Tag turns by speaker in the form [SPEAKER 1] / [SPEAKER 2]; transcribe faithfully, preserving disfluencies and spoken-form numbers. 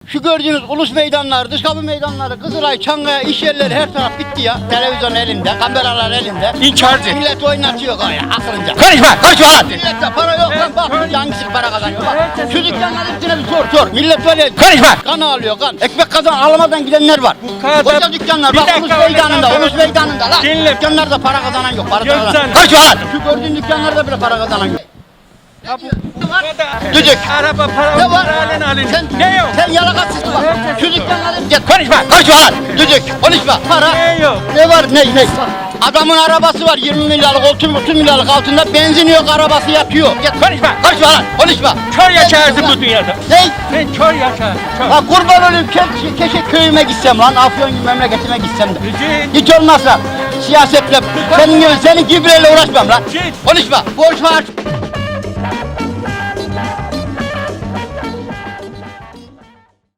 [SPEAKER 1] Şu gördüğünüz ulus meydanları, dış kapı meydanları, Kızılay, Çankaya, iş yerleri her taraf bitti ya. Televizyon elinde, kameralar elinde.
[SPEAKER 2] İnkarcı.
[SPEAKER 1] Millet oynatıyor ya aklınca.
[SPEAKER 2] Konuşma, konuşma lan.
[SPEAKER 1] Millette para yok lan bak hangisi para kazanıyor bak. Şu dükkanların hepsine bir sor sor. Millet böyle
[SPEAKER 2] Konuşma.
[SPEAKER 1] kan alıyor kan. Ekmek kazan alamadan gidenler var.
[SPEAKER 2] kadar-
[SPEAKER 1] Koca dükkanlar
[SPEAKER 2] Bir
[SPEAKER 1] bak
[SPEAKER 2] dakika,
[SPEAKER 1] ulus
[SPEAKER 2] öyle
[SPEAKER 1] meydanında,
[SPEAKER 2] kaldı.
[SPEAKER 1] ulus meydanında lan.
[SPEAKER 2] Dinle.
[SPEAKER 1] Dükkanlarda para kazanan yok. Para kazanan.
[SPEAKER 2] Gökten.
[SPEAKER 1] Konuşma lan. Şu gördüğün dükkanlarda bile para kazanan yok. Düdük.
[SPEAKER 2] Araba para
[SPEAKER 1] Ne var?
[SPEAKER 2] halen alın.
[SPEAKER 1] Sen,
[SPEAKER 2] Ne yok?
[SPEAKER 1] Sen yalakatsız bak. Şu dükkanların... Git.
[SPEAKER 2] Konuşma.
[SPEAKER 1] Konuşma lan. Düdük. Konuşma. Para.
[SPEAKER 2] Ne yok?
[SPEAKER 1] Ne var ne ne? Adamın arabası var yirmi milyarlık, otuz milyarlık altında benzin yok arabası yatıyor. Git.
[SPEAKER 2] Konuşma.
[SPEAKER 1] Konuşma lan. Konuşma.
[SPEAKER 2] Kör yaşarsın bu dünyada.
[SPEAKER 1] Ne?
[SPEAKER 2] Sen kör yaşarsın. Kör.
[SPEAKER 1] Ha kurban olayım ke keşke köyüme gitsem lan Afyon gibi memleketime gitsem de.
[SPEAKER 2] Git.
[SPEAKER 1] Hiç olmazsa siyasetle senin gibi senin gibiyle uğraşmam lan.
[SPEAKER 2] Git.
[SPEAKER 1] Konuşma. Borç var.